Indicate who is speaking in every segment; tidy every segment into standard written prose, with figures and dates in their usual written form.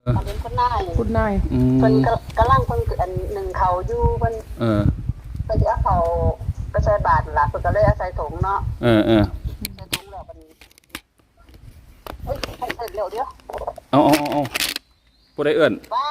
Speaker 1: อันนี้คุณนาย
Speaker 2: เพิ่น
Speaker 1: กำลังเพิ่นอันหนึ่งเขาอยู่เพิ่นเพิ่นสิเอาเขาไปใส่บาตรล่ะเพิ่นก็เลยเอาใส่ถุงเนาะใส่ถุงแล้วบัดนี้เฮ้ยให้เสร็จเร็วเดี๋ยว
Speaker 2: เอาผู้ใดเอื้อน
Speaker 1: ว่า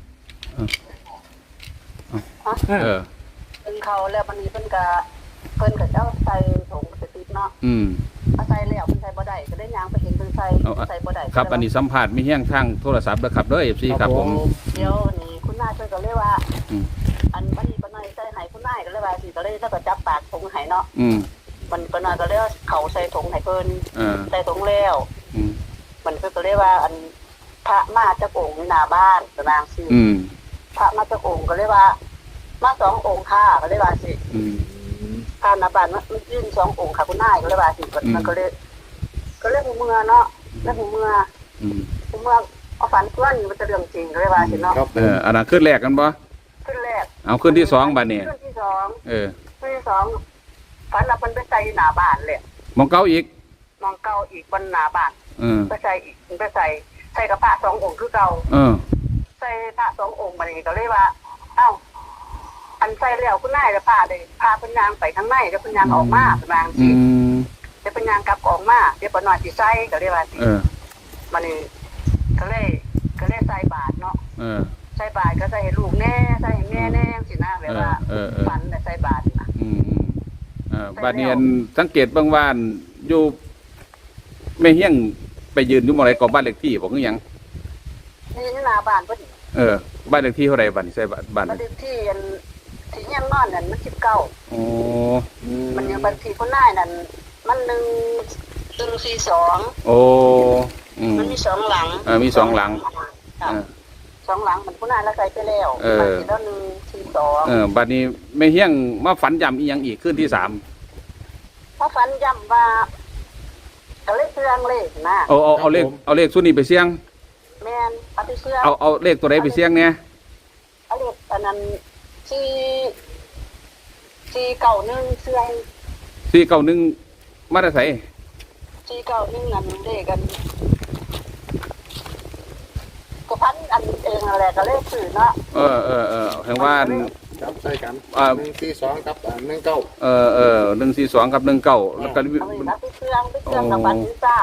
Speaker 1: เพิ่นเขาแล้วบัดนี้เพิ่นก็เอาใส่ถุงไปติดเนาะเอาใส่แล้วเพิ่นใส่บ่ได้ก็ได้ย่างไปเห็นเพิ่นใส่บ่ได้
Speaker 2: ครับอันนี้สัมภาษณ์มีเฮี้ยงทางโทรศัพท์เด้อครับเด้อ FC ครับผม
Speaker 1: เดี๋ยวนี่คุณนายเพิ่นก็เลยว่าอันบัดนี้ปนายใส่ให้คุณนายก็เลยว่าสิก็เลยแล้วก็จับปากถุงให้เนาะมันปนายก็เลยเขาใส่ถุงให้เพิ่นใส่ถุงแล้วมันก็เลยว่าอันพระมาจากองค์หน้าบ้านตารางสิพระมาจากองค์ก็เลยว่ามา2องค์ค่ะก็เลยว่าสิพระหน้าบ้านมันยื่น2องค์ค่ะคุณนายก็เลยว่าสิมันก็เลยหูเมื่อเนาะแล้วหูเมื่อเอาฝันตัวนี้มันจะเรื่องจริงก็เลยว่าสิเนาะ
Speaker 2: อันนั้นขึ้นแรกกันบ่
Speaker 1: ขึ้นแรก
Speaker 2: เอาขึ้นที่2บัดนี้
Speaker 1: ขึ้นที่2ขึ้นที่2ฝันว่าเพิ่นไปใส่หน้าบ้านเลย
Speaker 2: มองเก่าอีก
Speaker 1: บนหน้าบ้านไปใส่กับพระ2องค์คือเก่าใส่พระ2องค์บัดนี้ก็เลยว่าเอ้าอันใส่แล้วคุณนายจะพาเพิ่นย่างไปข้างในแล้วเพิ่นย่างออกมาประมาณสิเดี๋ยวเพิ่นย่างกลับออกมาเดี๋ยวปนอยสิใส่ก็เลยว่าสิบัดนี้ก็เลยใส่บาตรเนาะใส่บาตรก็ใส่ให้ลูกแน่ใส่ให้แม่แน่สินะแบบว่าฝันแต่ใส่บาตรนะ
Speaker 2: บาดนี้สังเกตบางว่านอยู่แม่เฮี้ยงไปยืนอยู่หม้องใดก็บ้านเลขที่บ่คือหยัง
Speaker 1: นี่หน้าบ้านพอดี
Speaker 2: บ้านเลขที่เท่าใดบัดนี้ใส่บ้าน
Speaker 1: เลขที่อันที่เฮี้ยงนอนนั่นมัน19มันยังบัญชีคนนายนั่นมัน142มันมี2หลัง
Speaker 2: มี2หลัง
Speaker 1: 2หลังมันคนนายแล้วใส่ไปแล้วบัญชีแล้ว142
Speaker 2: บัดนี้แม่เฮี้ยงมาฝันย้ำอีหยังอีกคืนที่3
Speaker 1: พอฝันย้ำว่าก็เลขเสื่องเลขนะ
Speaker 2: เอาเลขสุดนี้ไปเสี่ยง
Speaker 1: แม่นเอาไปเสื่อง
Speaker 2: เอาเลขตัวใดไปเสี่ยงเนี่ย
Speaker 1: เอาเลขอันนั้น491เสื่อง
Speaker 2: 491มาได้ไส
Speaker 1: 491นั่นเลขกันก็พันอันเองอะไรก็เลขสื่อเนาะ
Speaker 2: แห่งว่า
Speaker 3: จับใส่กัน142กับ19
Speaker 2: 142กับ19แล้วก็
Speaker 1: ไปเสื่องกับบัตรนี้ซ่า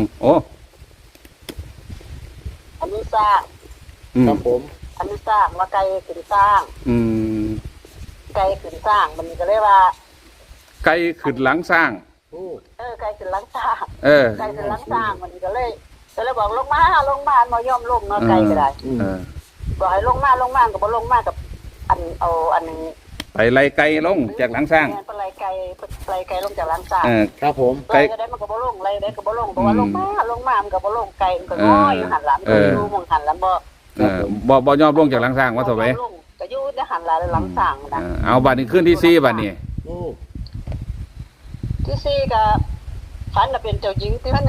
Speaker 1: อันนี้สร้าง
Speaker 3: ครับผม
Speaker 1: อันนี้สร้างว่าไกลขึ้นสร้างไกลขึ้นสร้างมันก็เลยว่า
Speaker 2: ไกลขึ้นหลังสร้าง
Speaker 1: ไกลขึ้นหลังสร้างไกลขึ้นหลังสร้างมันก็เลยบอกลงมาบ่ยอมลงเนาะไกลก็ได้บอกให้ลงมาก็บ่ลงมากับอันนี้
Speaker 2: ไปไล่ไกลลงจากหลังสร้าง
Speaker 1: ไปไล่ไกลลงจากหลังสร้าง
Speaker 2: ครับผม
Speaker 1: ไกลก็ได้มันก็บ่ลงไล่ได้ก็บ่ลงบอกว่าลงมามันก็บ่ลงไกลมันก็น้อยอยู่หันหลังอยู่มองหันหลัง
Speaker 2: บ่ยอมลงจากหลังสร้างว่าเท่าไหร่
Speaker 1: ก็อยู่ในหันหลังสร้างนะ
Speaker 2: เอาบัดนี้ขึ้นที่4บัดนี้
Speaker 1: ที่4ก็ฝันว่าเป็นเจ้าหญิงที่มัน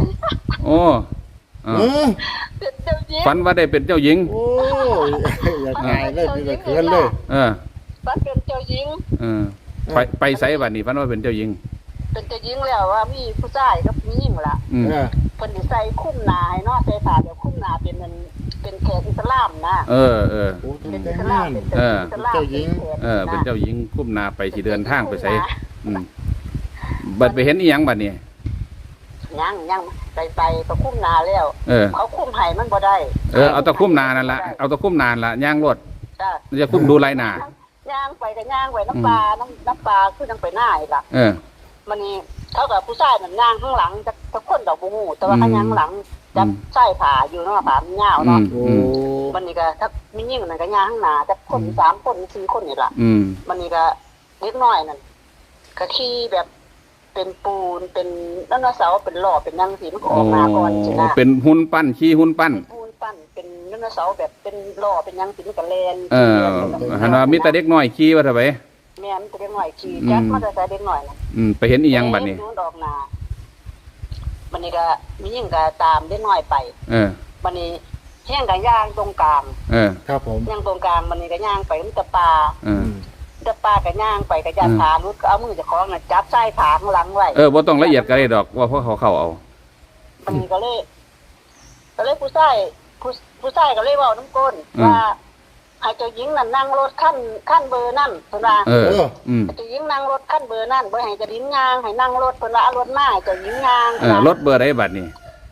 Speaker 1: เป็นเจ้าหญิง
Speaker 2: ฝันว่าได้เป็นเจ้าหญิง
Speaker 3: อยากง่ายเลยที่จะเขินเลย
Speaker 1: ฝันเป็นเจ้าหญิง
Speaker 2: ไปไสบัดนี้ฝันว่าเป็นเจ้าหญิง
Speaker 1: เป็นเจ้าหญิงแล้วว่ามีผู้ชายกับผู้หญิงล่ะเพิ่นสิใส่คุ้มหน้าให้เนาะใส่ผ้าแบบคุ้มหน้าเป็นแขกอิสลามนะ
Speaker 3: เป็นอิสลามเจ้าหญิง
Speaker 2: เป็นเจ้าหญิงคุ้มหน้าไปสิเดินทางไปไสบัดไปเห็นอีหยังบัดนี้
Speaker 1: ยังไปก็คุ้มนาแล้วเขาคุ้มไห้มันบ่ได้
Speaker 2: เอาตะคุ้มนานั่นละเอาตะคุ้มนานละย่างรถจะคุ้มดูไรหนา
Speaker 1: ย่างไปก็ย่างไปน้ำปลาคือยังไปหน้าอีกล่ะมันนี่เขากับผู้ชายมันย่างข้างหลังจะคนดอกบูฮูแต่ว่าข้างย่างหลังจะใส่ผ้าอยู่เนาะผ้ามันยาวเนาะมันนี่ก็ถ้ามียิ่งมันก็ย่างข้างหน้าจะคน3คน4คนนี่ล่ะมันนี่ก็เล็กน้อยนั่นก็ขี่แบบเป็นปูนเป็นไดโนเสาร์เป็นหล่อเป็นยังสีมันออกมาก่อนใช่ไหม
Speaker 2: เป็นหุ่นปั้นขี้หุ่นปั้น
Speaker 1: เป็นไดโนเสาร์แบบเป็นหล่อเป็นยังสีมันกระเลน
Speaker 2: หันว่ามีแต่เด็กน้อยขี้ว่าเท่าไหร่
Speaker 1: แม่มีแต่เด็กน้อยขี้จักมาแต่เด็กน้อยนะ
Speaker 2: ไปเห็นอีหยังบัดนี้
Speaker 1: ดอกนาบัดนี้ก็มียิ่งก็ตามเด็กน้อยไปบัดนี้แห้งก็ย่างตรงกลาง
Speaker 3: ครับผม
Speaker 1: ย่างตรงกลางบัดนี้ก็ย่างไปมันจะปลากับย่างไปกับยาขาลุดก็เอามือจะคล้องจับไส้ขาข้างหลังไว้
Speaker 2: บ่ต้องละเอียดก็ได้ดอกว่าเพราะเขาเอา
Speaker 1: มันก็เลยผู้ชายผู้ชายก็เลยเว้าน้ำก้นว่าให้เจ้าหญิงนั่นนั่งรถขั้นเบอร์นั่นเพิ่นว่าเจ้าหญิงนั่งรถขั้นเบอร์นั่นบ่ให้เจ้าหญิงย่างให้นั่งรถเพิ่นว่าเอารถมาให้เจ้าหญิงย่าง
Speaker 2: รถเบอร์ใดบัดนี้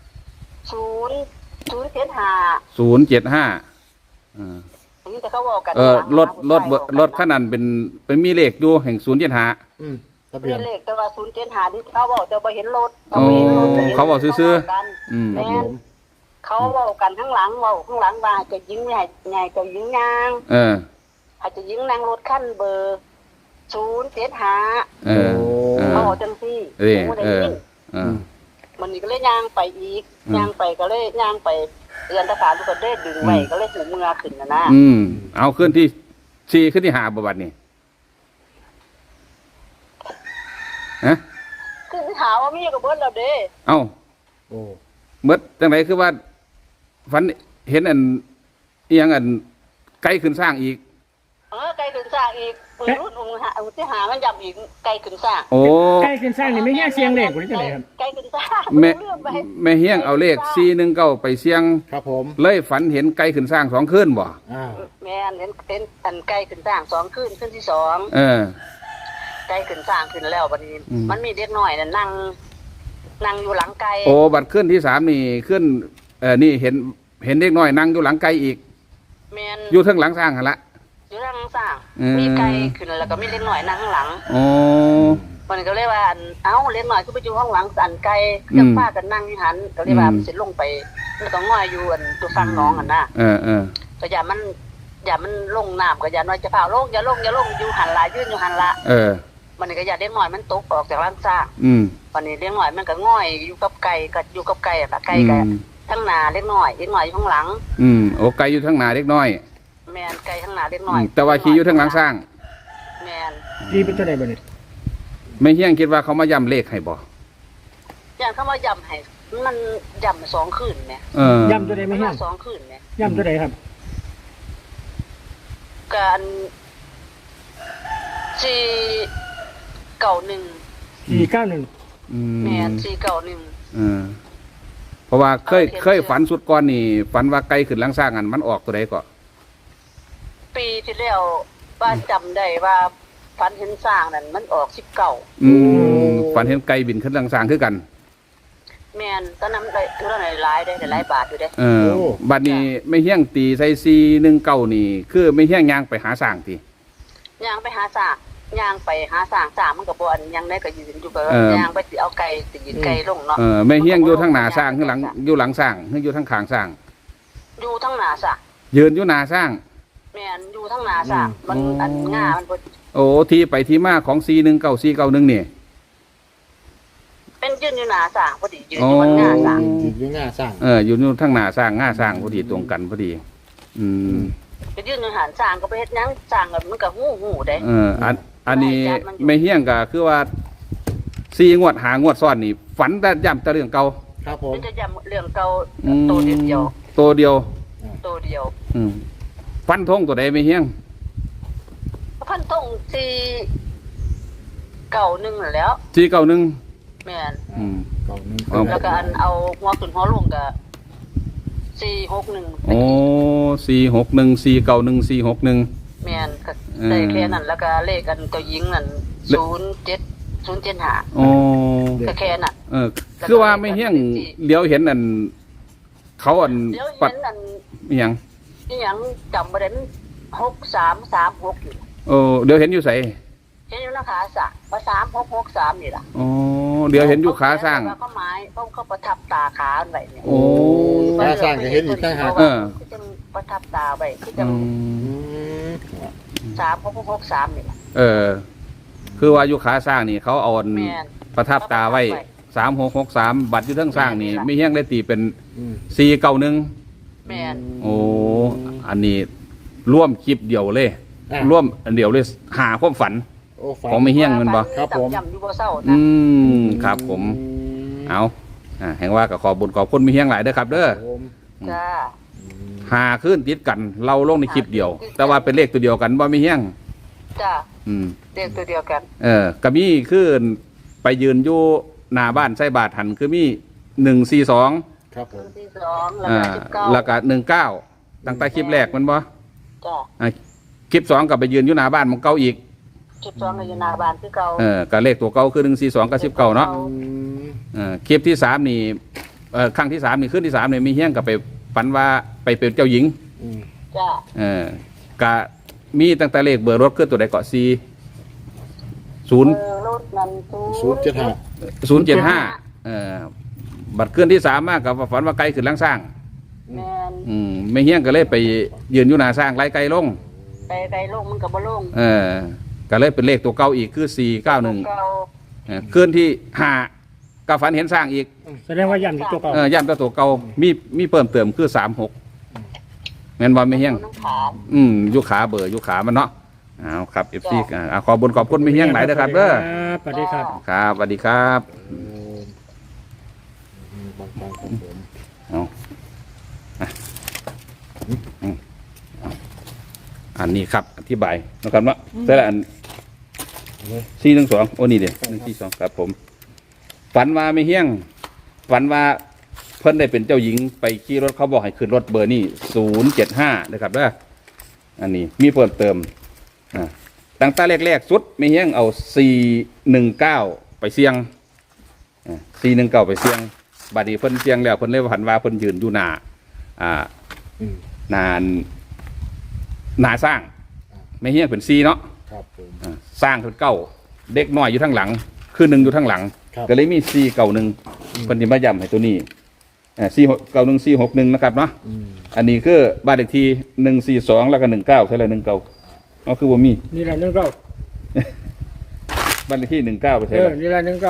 Speaker 2: 075
Speaker 1: นี่แต่เขาบอกกัน
Speaker 2: รถคันนั้นเป็นมีเลขอยู่แห่ง075
Speaker 3: ทะเบียน
Speaker 1: เลขแต่ว่า075นี่เขาบอกแต่บ่เห็นรถ
Speaker 2: เขาบอกซื่อ
Speaker 1: แม่เขาเว้ากันข้างหลังว่าเจ้าหญิงให้เจ้าหญิงย่างให้เจ้าหญิงนั่งรถขั้นเบอร์075เขาบอกจังซี่มันนี่ก็เลยย่างไปอีกย่างไปก็เลยย่างไปเรียนทหารทุกคนได้ดึงไว้ก็เลยหูเมือขึ้นนะ
Speaker 2: เอาขึ้นที่4ขึ้นที่5บ่บัดนี้ฮะ
Speaker 1: ขึ้นที่หาว่ามีก็เบิดแล้วเด้
Speaker 2: เอ้าเบิดจังไดคือว่าฝันเห็นอันอีหยังอันไกลขึ้นสร้างอีก
Speaker 1: ไกลขึ้นสร้างอีกปืนรุ่นที่หามันยับอีกไกลขึ้นสร้าง
Speaker 4: ไกลขึ้นสร้างนี่ไม่แย่เสียงเลขหรือจังไดครับ
Speaker 1: ไกลขึ้นสร้าง
Speaker 2: แม่เฮียงเอาเลข419ไปเสียง
Speaker 3: ครับผม
Speaker 2: เลยฝันเห็นไกลขึ้นสร้าง2คืนบ่
Speaker 1: แม่นเห็นอันไกลขึ้นสร้าง2คืนที่2ไกลขึ้นสร้างขึ้นแล้วบัดนี้มันมีเด็กน้อยน่ะนั่งอยู่หลังไกล
Speaker 2: บัดขึ้นที่3นี่ขึ้นนี่เห็นเด็กน้อยนั่งอยู่หลังไกลอีก
Speaker 1: แม่น
Speaker 2: อยู่เทิงหลังสร้างหั่นละ
Speaker 1: อยู่ทางสร้างมีไกลขึ้นแล้วก็มีเล็กน้อยนั่งข้างหลังมันก็เลยว่าเล็กน้อยคือไปอยู่ข้างหลังอันไกลจังป้ากันนั่งอยู่หันก็เลยว่ามันสิลงไปแล้วก็ง่อยอยู่ตัวฟังน้องน่ะก็อย่ามันลงน้ำก็อย่าน้อยจะพาลงอย่าลงอยู่หันละยืนอยู่หันละมันก็อย่าเล็กน้อยมันตกออกจากหลังสร้างวันนี้เล็กน้อยมันก็ง่อยอยู่กับไก่ก็อยู่กับไก่อ่ะไก่ก็ทั้งหน้าเล็กน้อยอยู่ข้างหลัง
Speaker 2: โอ้ไก่อยู่ทั้งหน้าเล็กน้อย
Speaker 1: แม่นไก่ข้างหน้าเล็กน้อย
Speaker 2: แต่ว่าขี่อยู่ทั้งหลังสร้าง
Speaker 1: แม่น
Speaker 4: ขี่เป็นตัวใดบ่นี่
Speaker 2: ไม่เฮียงคิดว่าเขามาย้ำเลขให้บ่
Speaker 1: อย่างเขามาย้ำให้มันย้ำ2คืนแม่
Speaker 4: ย้ำตัวใดไม่เฮียง
Speaker 1: 2คืนแม่
Speaker 4: ย้ำตัวใดครับ
Speaker 1: การ491แม่น491
Speaker 2: เพราะว่าเคยฝันสุดก่อนนี่ฝันว่าไกลขึ้นหลังสร้างอันมันออกตัวใดก็
Speaker 1: ปีที่แล้วว่าจำได้ว่าฝันเห็นสร้างนั่นมันออก19
Speaker 2: ฝันเห็นไกลบินขึ้นหลังสร้างคือกัน
Speaker 1: แม่นตอนนั้นได้เท่าไหร่หลายได้หลายบาทอยู่เด้
Speaker 2: บัดนี้ไม่เฮี้ยงตีใส่419นี่คือไม่เฮี้ยงย่างไปหาสร้างติ
Speaker 1: ย่างไปหาสร้างย่างไปหาสร้างมันก็บ่อันยังได้ก็ยืนอยู่ก็ย่างไปสิเอาไก่สิยืนไก่ลงเนาะ
Speaker 2: ไม่เฮี้ยงอยู่ทางหน้าสร้างข้างหลังอยู่หลังสร้างหรืออยู่ทางข้างสร้าง
Speaker 1: อยู่ทางหน้าสร้าง
Speaker 2: ยืนอยู่หน้าสร้าง
Speaker 1: แม่นอยู่ทางหน้าสร้างมันอันง่ามันบ่
Speaker 2: ที่ไปที่มาของ419 491นี่
Speaker 1: เป็นยืนอยู่หน้าสร้างพอดียืนอยู่บนหน้าสร้าง
Speaker 3: อยู่หน้าสร้าง
Speaker 2: อยู่ทางหน้าสร้างง่าสร้างพอดีตรงกันพอดี
Speaker 1: ไปยืนอยู่หันสร้างก็ไปเฮ็ดหยังสร้างก็มันก็หูได้
Speaker 2: อันนี้ไม่เฮี้ยงก็คือว่า4งวด5งวดซ้อนนี่ฝันแต่ย้ำแต่เรื่องเก่า
Speaker 3: ครับผม
Speaker 1: มันจะย้ำเรื่องเก่าตัวเดียว
Speaker 2: ฟันธงตัวใดไม่เฮี้ยง
Speaker 1: ฟันธง491นั่นแล้ว
Speaker 2: 491
Speaker 1: แม่น
Speaker 3: 91
Speaker 1: แล้วก็อันเอาหัวขึ้นหัวลงก็461
Speaker 2: 461 491 461
Speaker 1: แม่นก็ได้แค่นั้นแล้วก็เลขอันตัวหญิงนั่น07075ก็แค่นั้น
Speaker 2: คือว่าไม่เฮี้ยงเดี๋ยวเห็นอันเขาอันปัดอีหยัง
Speaker 1: จำบ่ได้6336อยู่
Speaker 2: เดี๋ยวเห็นอยู่ไส
Speaker 1: เห็นอยู่ในขาสร้างว่า3663นี่ล่ะ
Speaker 2: เดี๋ยวเห็นอยู่ขาสร้าง
Speaker 1: เขาไม้เขาประทับตาขาไว้เนี่ย
Speaker 3: ขาสร้างก็เห็นอีกต่างหาก
Speaker 1: จะประทับตาไว้คือจัง3663นี่ล่ะ
Speaker 2: คือว่าอยู่ขาสร้างนี่เขาเอาประทับตาไว้3663บัตรอยู่ทั้งสร้างนี่ไม่เฮี้ยงได้ตีเป็น491
Speaker 1: แม่น
Speaker 2: อันนี้ร่วมคลิปเดียวเลยร่วมอันเดียวเลยหาความฝันของไม่เฮี้ยงมันบ่
Speaker 3: ครับผม
Speaker 2: ครับผมเอาแห่งว่ากับขอบุญขอบคุณไม่เฮี้ยงหลายเด้อครับเด้อ
Speaker 1: จ้า
Speaker 2: หาขึ้นติดกันเราลงในคลิปเดียวแต่ว่าเป็นเลขตัวเดียวกันบ่ไม่เฮี้ยง
Speaker 1: จ้าเลขตัวเดียวกัน
Speaker 2: ก็มีคือไปยืนอยู่หน้าบ้านใส่บาทหันคือมี142
Speaker 3: ครับผม
Speaker 1: 42แล้วก็19
Speaker 2: แล้วก็19ตั้งแต่คลิปแรกมันบ่
Speaker 1: จ้ะ
Speaker 2: คลิป2ก็ไปยืนอยู่หน้าบ้านของเก่าอีก
Speaker 1: 12ก็อยู่หน้าบ้านคือเก่า
Speaker 2: ก็เลขตัวเก่าคือ142กับ19เนาะ คลิปที่3นี่ครั้งที่3นี่ขึ้นที่3นี่มีเฮี้ยงกับไปฝันว่าไปเป็นเจ้าหญิง
Speaker 1: จ้ะ
Speaker 2: ก็มีตั้งแต่เลขเบอร์รถขึ้นตัวใดเกาะ4 0
Speaker 1: รถนั้น
Speaker 2: 075บัตรขึ้นที่3มากกับฝันว่าไกลขึ้นหลังสร้าง
Speaker 1: แม่น
Speaker 2: ไม่เฮี้ยงก็เลยไปยืนอยู่หน้าสร้างไล่ไกลลง
Speaker 1: ไปไกลลงมันก็บ่ลง
Speaker 2: ก็เลยเป็นเลขตัวเก่าอีกคือ491
Speaker 1: เก่า
Speaker 2: ขึ้นที่5ก็ฝันเห็นสร้างอีก
Speaker 4: แสดงว่าย่ำที่ตัวเก่า
Speaker 2: ย่ำตัวเก่ามีเพิ่มเติมคือ36แม่นบ่ไม่เฮี้ยง
Speaker 1: น้ำขา
Speaker 2: ยุขาเบอร์ยุขามันเนาะเอาครับ FC ขอบนขอบคุณไม่เฮี้ยงหลายเด้อครับเด้อ
Speaker 4: สวัสดีครับ
Speaker 2: ครับสวัสดีครับ
Speaker 3: บางครับผม
Speaker 2: เอาอันนี้ครับอธิบายนะครับเนาะแต่ละอัน412โอ้นี่เด้142ครับผมฝันว่าไม่เฮี้ยงฝันว่าเพิ่นได้เป็นเจ้าหญิงไปขี่รถเขาบอกให้ขึ้นรถเบอร์นี่075นะครับเด้ออันนี้มีเพิ่มเติมตั้งแต่แรกๆสุดไม่เฮี้ยงเอา419ไปเสี่ยง419ไปเสี่ยงบัดนี้เพิ่นเสี่ยงแล้วเพิ่นเลยฝันว่าเพิ่นยืนอยู่หน้าสร้างไม่เฮี้ยงเป็น4เนาะ
Speaker 3: ครับผม
Speaker 2: สร้างเป็น9เด็กน้อยอยู่ทั้งหลังคือ1อยู่ทั้งหลัง
Speaker 3: ครับ
Speaker 2: ก็เลยมี491เพิ่นสิมาย้ำให้ตัวนี้491 461นะครับเนาะอันนี้คือบ้านเลขที่142แล้วก็19ใช่เลย19เอาคือบ่มี
Speaker 4: นี่แหละ19
Speaker 2: บ้านเลขที่19ไปใช่ไหม
Speaker 4: นี่แหละ19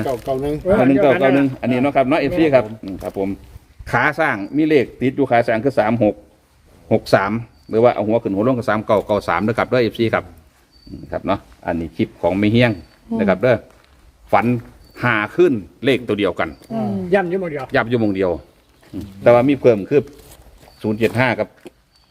Speaker 2: 1991อันนี้เนาะครับเนาะ FC ครับครับผมขาสร้างมีเลขติดอยู่ขาสร้างคือ3663หรือว่าเอาหัวขึ้นหัวลงกับ3993นะครับเด้อ FC ครับครับเนาะอันนี้คลิปของไม่เฮี้ยงนะครับเด้อฝันหาขึ้นเลขตัวเดียวกัน
Speaker 4: ย่ำอยู่หมดเดียว
Speaker 2: ยับอยู่วงเดียวแต่ว่ามีเพิ่มคือ075กับ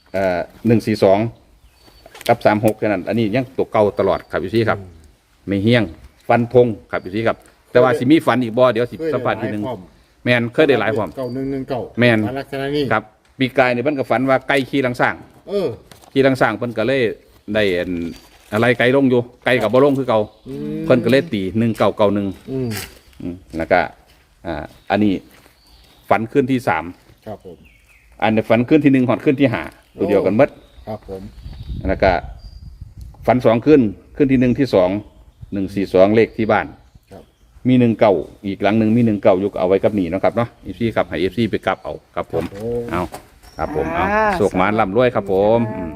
Speaker 2: 142กับ36แค่นั้นอันนี้ยังตัวเก่าตลอดครับ FC ครับไม่เฮี้ยงฟันธงครับ FC ครับแต่ว่าสิมีฝันอีกบ่เดี๋ยวสิสัมภาษณ์ทีนึงแมนเคยได้หลายความ
Speaker 3: 9119
Speaker 2: แม่น
Speaker 3: ลักษณะนี้
Speaker 2: ครับปีกายเนี่ยเพิ่นก็ฝันว่าไก่ขี่ลังสร้าง ขี่ลังสร้างเพิ่นก็เลยได้อะไรไก่ลงอยู่ไก่กับบ่ลงคือเก่าเพิ่นก็เลยตี1991แล้วก็อันนี้ฝันขึ้นที่3
Speaker 3: ครับผม
Speaker 2: อันนี้ฝันขึ้นที่1หอดขึ้นที่5ตัวเดียวกันหมด
Speaker 3: ครับผม
Speaker 2: แล้วก็ฝัน2ขึ้นที่1ที่2 142เลขที่บ้านมี19อีกหลังหนึงมี19อยู่ก็เอาไว้กับนี่เนาะครับเนาะ FC ครับให้ FC ไปกลับเอาครับผมเอาครับผมเอาโชคหมานร่ำรวยครับผม